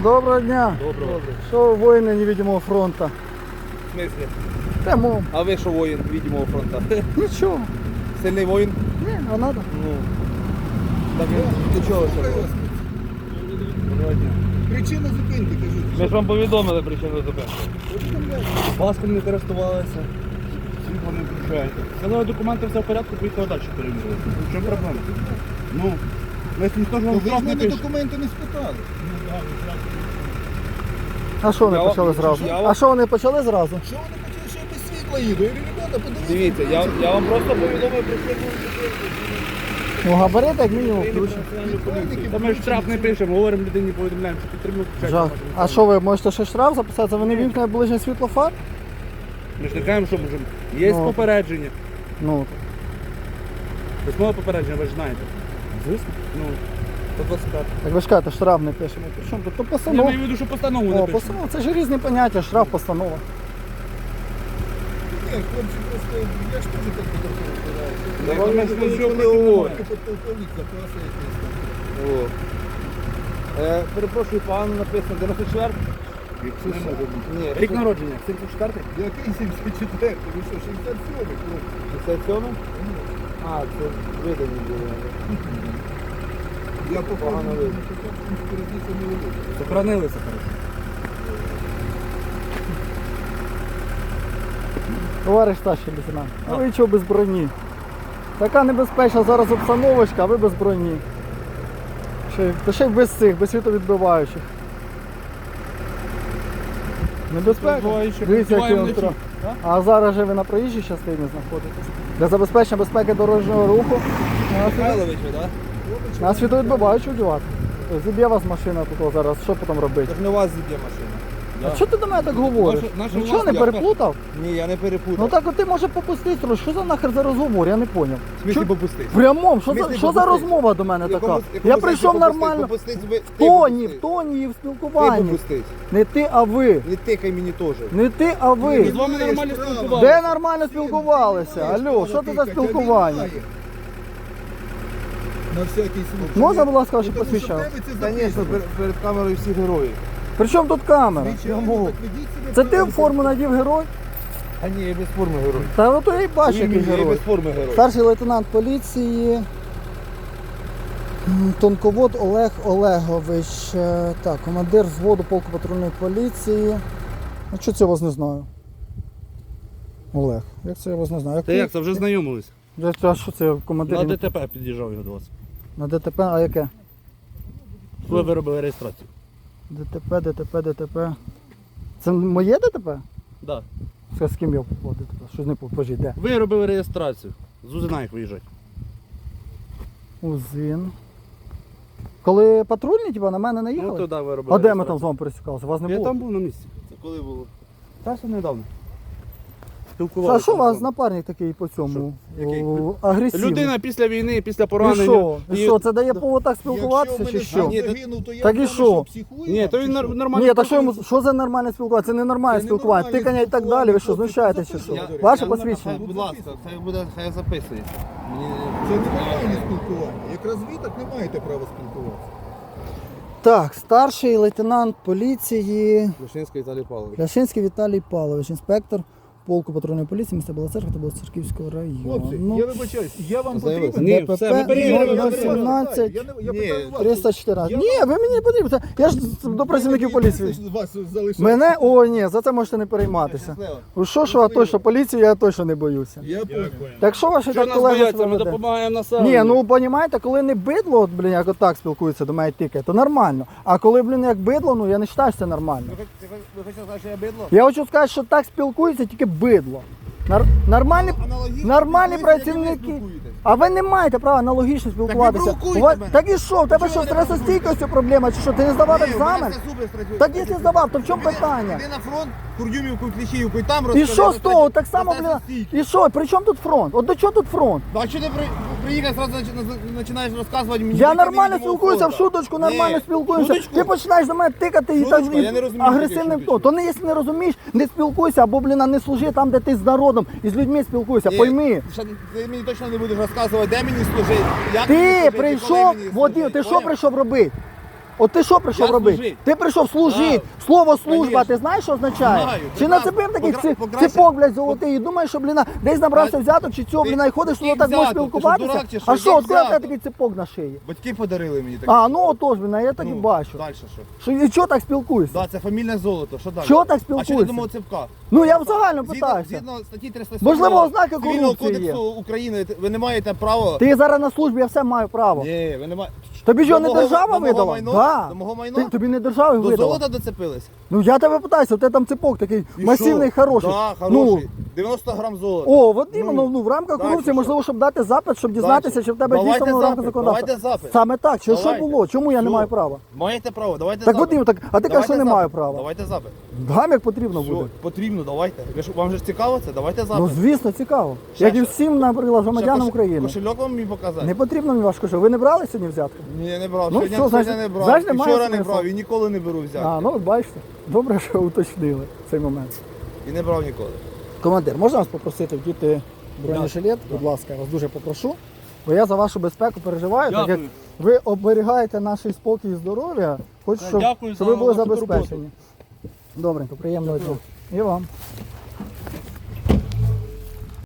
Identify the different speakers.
Speaker 1: Доброго дня.
Speaker 2: Доброго.
Speaker 1: Що воїни невидимого фронту?
Speaker 2: В смысле?
Speaker 1: Тому.
Speaker 2: А ви що воїн видимого фронта?
Speaker 1: Нічого.
Speaker 2: Сильний воїн?
Speaker 1: Ні, а надо.
Speaker 2: Ну. Так ти чого ще? Доброго дня.
Speaker 3: Причина зупинки, кажіть.
Speaker 2: Ми ж вам повідомили причину зупинки. Паском не користувалися. Світло не включаєте. Це документи все в порядку, поїхали далі перевірили. В чому проблема? Ну, ми ж ніхто ж вам
Speaker 3: Ви з
Speaker 2: штраф не
Speaker 3: мене
Speaker 2: пише.
Speaker 3: документи не спитали.
Speaker 1: А що вони
Speaker 2: Я-
Speaker 1: почали зразу?
Speaker 2: я-
Speaker 1: А що вони почали зразу?
Speaker 3: Що вони хотіли, що я без світла їду? Я говорю, ребята, подивіться.
Speaker 2: Дивіться, я вам просто повідомив причину зупинки.
Speaker 1: Ну, габарит як мінімум включено.
Speaker 2: Та ми ж штраф не пишемо, говоримо людині, повідомляємо, що підтримуємо.
Speaker 1: Жах. А що ви можете ще штраф записати? Вони вімкнуть ближнє світло фар?
Speaker 2: Ми ж не кажемо, що можемо. Є
Speaker 1: Ну.
Speaker 2: попередження.
Speaker 1: Ну,
Speaker 2: Письмове попередження, ви ж знаєте.
Speaker 1: звісно.
Speaker 2: Ну, 125.
Speaker 1: Як ви ж кажете, штраф не пишемо. При чому тут? То
Speaker 2: Я
Speaker 1: постанова.
Speaker 2: маю в виду, що постанову не
Speaker 1: О,
Speaker 2: пишемо.
Speaker 1: постанова. Це ж різні поняття, штраф, постанова.
Speaker 3: Ні, хлопці, просто я ж теж так фотографував.
Speaker 2: Да вам ж нічого не
Speaker 3: говорить.
Speaker 2: говорить.
Speaker 3: Подполковник запаси якийсь там.
Speaker 2: Перепрошую, пан написано 94?
Speaker 3: Не може бути.
Speaker 2: Ні, рік народження, 74?
Speaker 3: Який 74? Ви що, 67-й, хлопці?
Speaker 2: 67? А, це видані були.
Speaker 3: Я попав
Speaker 2: Погано
Speaker 3: на
Speaker 2: видно.
Speaker 3: різниця не велика.
Speaker 2: Сохранилися, хорошо.
Speaker 1: Товариш старший лейтенант, а ви чого без броні? Така небезпечна зараз обстановочка, а ви без броні. Та ще й без цих, без світовідбиваючих. Небезпека.
Speaker 2: Відбиваючих.
Speaker 1: Дивіться, який
Speaker 2: Відбиваємо
Speaker 1: він
Speaker 2: вночі.
Speaker 1: тро- А зараз же ви на проїжджій частині знаходитесь. Для забезпечення безпеки дорожнього руху
Speaker 2: Михайлович ви, так?
Speaker 1: на світовідбиваючу вдівати. Зіб'є вас машина тут зараз, що потім робити?
Speaker 2: Це ж не у вас зіб'є машина.
Speaker 1: А чого ти до мене так говориш?
Speaker 2: Наша
Speaker 1: Нічого не
Speaker 2: власна,
Speaker 1: переплутав?
Speaker 2: Ні, я не перепутав.
Speaker 1: Ну так от ти може попустись трошки. Що за нахер за розговор? Я не зрозумів.
Speaker 2: В смислі попустись?
Speaker 1: Прямом,
Speaker 2: В смислі
Speaker 1: що за
Speaker 2: попустись?
Speaker 1: розмова до мене
Speaker 2: В якому-
Speaker 1: така?
Speaker 2: в якому
Speaker 1: Я
Speaker 2: сенсі
Speaker 1: прийшов
Speaker 2: попустись?
Speaker 1: нормально.
Speaker 2: Попустись
Speaker 1: В
Speaker 2: ти
Speaker 1: тоні,
Speaker 2: попустись.
Speaker 1: в тоні і в
Speaker 2: Ти
Speaker 1: спілкуванні.
Speaker 2: попустись.
Speaker 1: Не ти, а ви.
Speaker 2: Не тикай мені теж.
Speaker 1: Не ти, а
Speaker 2: Ми
Speaker 1: ви.
Speaker 2: з вами нормально
Speaker 1: Де
Speaker 2: спілкувалися.
Speaker 1: нормально спілкувалися? Алло, що це за спілкування?
Speaker 3: На всякий случай.
Speaker 1: Можна, будь ласка, ваше
Speaker 3: Тому що в
Speaker 1: посвідчення?
Speaker 3: тебе це
Speaker 2: Звісно,
Speaker 3: записано.
Speaker 2: перед камерою всі герої.
Speaker 1: При чому тут камера?
Speaker 3: Звичайно, так ведіть себе
Speaker 1: Це ти в
Speaker 3: правильно.
Speaker 1: форму надів герой?
Speaker 2: А ні, я без форми герой.
Speaker 1: Та ото я й бачу, який
Speaker 2: Я
Speaker 1: герой.
Speaker 2: без форми герой.
Speaker 1: Старший лейтенант поліції Тонковод Олег Олегович. Так, командир взводу полку патрульної поліції. А що це я вас не знаю? Олег, як це я вас не знаю?
Speaker 2: Та як, це вже знайомились?
Speaker 1: А що це командир?
Speaker 2: На ДТП під'їжджав його до вас.
Speaker 1: На ДТП, а яке?
Speaker 2: Ви виробили реєстрацію.
Speaker 1: ДТП. Це моє ДТП?
Speaker 2: Да.
Speaker 1: Це з ким я попав ДТП? Щось не попажіть, де?
Speaker 2: Ви робили реєстрацію. З Узина їх виїжджать.
Speaker 1: Узин. Коли патрульні, типа, на мене
Speaker 2: Ну
Speaker 1: наїхали?
Speaker 2: туди ви робили.
Speaker 1: А де ми там
Speaker 2: реєстрацію.
Speaker 1: з вами пересікалися? Вас не
Speaker 2: Я
Speaker 1: було?
Speaker 2: там був на місці. Це коли було? Та все недавно.
Speaker 1: А
Speaker 2: Спілкувалися.
Speaker 1: що у вас напарник такий по цьому?
Speaker 2: Що? Який?
Speaker 1: Агресивний.
Speaker 2: Людина після війни, після
Speaker 1: І
Speaker 2: поранення.
Speaker 1: що? І що, це дає повод так спілкуватися
Speaker 3: Якщо
Speaker 1: чи
Speaker 3: в
Speaker 1: що?
Speaker 3: мене
Speaker 2: Ні,
Speaker 3: сам
Speaker 2: то-
Speaker 3: загинув, то я
Speaker 1: Так і
Speaker 3: думаю,
Speaker 1: що?
Speaker 3: психую,
Speaker 2: Ні,
Speaker 3: а
Speaker 2: то він
Speaker 3: чи що?
Speaker 2: нормально.
Speaker 1: Ні, та що йому, що за нормальне спілкування? Це не нормальне
Speaker 3: Це
Speaker 1: спілкування.
Speaker 3: ненормальне
Speaker 1: Тикання і так далі, ви що, знущаєтесь чи що?
Speaker 3: спілкування.
Speaker 1: Ваше
Speaker 2: Я-
Speaker 1: посвідчення?
Speaker 2: Будь ласка, хай записує.
Speaker 3: Це нормальне спілкування. Якраз ви так не маєте права спілкуватися.
Speaker 1: Так, старший лейтенант поліції
Speaker 2: Вишинський Віталій Павлович.
Speaker 1: Ляшинський Віталій Павлович, інспектор полку патрульної поліції міста Біла Церква та Білоцерківського
Speaker 3: Хлопці,
Speaker 1: району.
Speaker 3: я вибачаюсь, я вам
Speaker 2: Заявили.
Speaker 3: потрібен?
Speaker 2: Ні, все, ми перевірили.
Speaker 1: 017
Speaker 3: Я
Speaker 2: Ні,
Speaker 3: питаю вас.
Speaker 1: 314.
Speaker 3: Я-
Speaker 1: Ні, ви мені не потрібні. Я ж до працівників поліції.
Speaker 3: Вас залишив.
Speaker 1: Мене? О, ні, за це можете не перейматися.
Speaker 2: Щасливо.
Speaker 1: Що, а точно, поліцію я точно не боюся.
Speaker 3: Я понял.
Speaker 1: Так що ваші
Speaker 2: Що
Speaker 1: так
Speaker 2: нас
Speaker 1: колеги
Speaker 2: бояться,
Speaker 1: себе
Speaker 2: ми
Speaker 1: веде?
Speaker 2: допомагаємо населенню.
Speaker 1: Ні, ну понімаєте, коли не бидло, от, блін, як отак спілкуються до мене тільки, то нормально. А коли, блін, як бидло, ну я не вважаю, що це нормально.
Speaker 2: Ви хочете сказати, що я бидло?
Speaker 1: Я хочу сказати, що так спілкуються тільки бидло. Нормальні, нормальні працівники. А ви не маєте права аналогічно спілкуватися.
Speaker 2: провокуйте
Speaker 1: У вас-
Speaker 2: мене.
Speaker 1: Так і що, в тебе що,
Speaker 2: ви
Speaker 1: стресостійкостю проблема, чи що, ти не здавав екзамен? Так якщо здавав, то в чому питання?
Speaker 2: Іди на фронт, Курдюмівку, Кліщіївку і там
Speaker 1: І що з того? Так само, блін, і що, при чому тут фронт? От до чого тут фронт?
Speaker 2: А що ти приїхав, одразу починаєш розказувати мені?
Speaker 1: Я нормально спілкуюся в шуточку, нормально спілкуємося. Ти починаєш до мене тикати і так
Speaker 2: Шуточку? Я не розумію,
Speaker 1: агресивним
Speaker 2: таке
Speaker 1: тоном. То не якщо не розумієш, не спілкуйся, або, блін, не служи там, де ти з народом і з людьми спілкуйся, пойми.
Speaker 2: Ти мені точно не будеш розказувати, де мені служити, як мені
Speaker 1: Ти
Speaker 2: служити,
Speaker 1: прийшов,
Speaker 2: коли мені
Speaker 1: Вадим,
Speaker 2: служити,
Speaker 1: ти що
Speaker 2: поняв?
Speaker 1: прийшов робити? От ти що прийшов
Speaker 2: Я
Speaker 1: робити?
Speaker 2: служить.
Speaker 1: Ти прийшов служити.
Speaker 2: Знаю.
Speaker 1: Слово служба,
Speaker 2: Конечно.
Speaker 1: ти знаєш, що означає?
Speaker 2: Знаю,
Speaker 1: Чи
Speaker 2: прекрасно.
Speaker 1: нацепив такий
Speaker 2: Покраще.
Speaker 1: ципок, блядь, золотий, і думаєш, що, блін, десь набрався взяток, чи цього,
Speaker 2: Ти-
Speaker 1: блін, і ходиш,
Speaker 2: який
Speaker 1: що так можеш
Speaker 2: взяток? Ти що,
Speaker 1: спілкуватися?
Speaker 2: дурак чи що?
Speaker 1: А що,
Speaker 2: Який
Speaker 1: от тебе
Speaker 2: взяток?
Speaker 1: такий ципок на шиї?
Speaker 3: Батьки подарили мені таке.
Speaker 1: А, ну отож, блін, я так і бачу.
Speaker 3: Далі що?
Speaker 1: Що, і чого так спілкуєшся?
Speaker 3: Да, це фамільне золото. Що далі?
Speaker 1: Чого так
Speaker 3: А що ти
Speaker 1: спілкуєшся?
Speaker 3: думав ципка?
Speaker 1: Ну я загально
Speaker 3: Згідно,
Speaker 1: питаюся.
Speaker 3: згідно статті 307
Speaker 1: Можливо, ознаки
Speaker 3: Цивільного
Speaker 1: корупції є.
Speaker 3: кодексу України ви не маєте права.
Speaker 1: Ти зараз на службі, я все маю право.
Speaker 3: Ні, ви не маєте.
Speaker 1: Тобі ж його не
Speaker 3: До мого-
Speaker 1: держава
Speaker 3: до мого
Speaker 1: видала?
Speaker 3: майно?
Speaker 1: Да.
Speaker 3: До мого майно?
Speaker 1: Тобі не держава
Speaker 3: До
Speaker 1: видала.
Speaker 3: золота доцепились?
Speaker 1: Ну я тебе питаюся, у тебе там ципок такий
Speaker 3: І
Speaker 1: масивний,
Speaker 3: що?
Speaker 1: хороший.
Speaker 3: Да,
Speaker 1: Ну,
Speaker 3: хороший. 90 грам золота.
Speaker 1: о, от іменно, ну, в рамках
Speaker 3: дальше
Speaker 1: корупції,
Speaker 3: що?
Speaker 1: можливо, щоб дати запит, щоб дізнатися,
Speaker 3: Дальше.
Speaker 1: чи в тебе
Speaker 3: Давайте
Speaker 1: дійсно в рамках
Speaker 3: запит,
Speaker 1: законодавства.
Speaker 3: давайте запит.
Speaker 1: Саме так, що
Speaker 3: Давайте.
Speaker 1: було? Чому я не
Speaker 3: Що?
Speaker 1: маю права?
Speaker 3: Маєте право, давайте
Speaker 1: Так,
Speaker 3: запит.
Speaker 1: Вадим, так, а ти кажеш, що не
Speaker 3: Давайте
Speaker 1: маю
Speaker 3: запит.
Speaker 1: права.
Speaker 3: Давайте запит.
Speaker 1: Дам, як потрібно буде.
Speaker 3: Все, потрібно, давайте. Вам же ж цікаво це? Давайте запит.
Speaker 1: Ну, звісно, цікаво.
Speaker 3: Ще
Speaker 1: Як і
Speaker 3: що?
Speaker 1: всім, наприклад, громадянам
Speaker 3: Ще
Speaker 1: України.
Speaker 3: Кошельок вам мені показати?
Speaker 1: Не потрібно мені ваш кошелек. Ви не брали сьогодні взятку?
Speaker 3: Ні, не брав.
Speaker 1: Ну,
Speaker 3: Сьогодні,
Speaker 1: все, значить-
Speaker 3: сьогодні не брав.
Speaker 1: значить,
Speaker 3: І
Speaker 1: немає
Speaker 3: вчора не
Speaker 1: смислу.
Speaker 3: брав і ніколи не беру взяти.
Speaker 1: А, ну от бачите. Добре, що уточнили цей момент.
Speaker 3: І не брав ніколи.
Speaker 1: Командир, можна вас попросити вдіти бронежилет? Будь ласка, я вас дуже попрошу. Бо я за вашу безпеку переживаю, так як
Speaker 2: Дякую.
Speaker 1: ви оберігаєте наш спокій і здоров'я. Хочу,
Speaker 2: Так,
Speaker 1: щоб,
Speaker 2: дякую
Speaker 1: щоб
Speaker 2: за
Speaker 1: ви були
Speaker 2: вашу
Speaker 1: забезпечені. Добренько, приємного дня. І вам.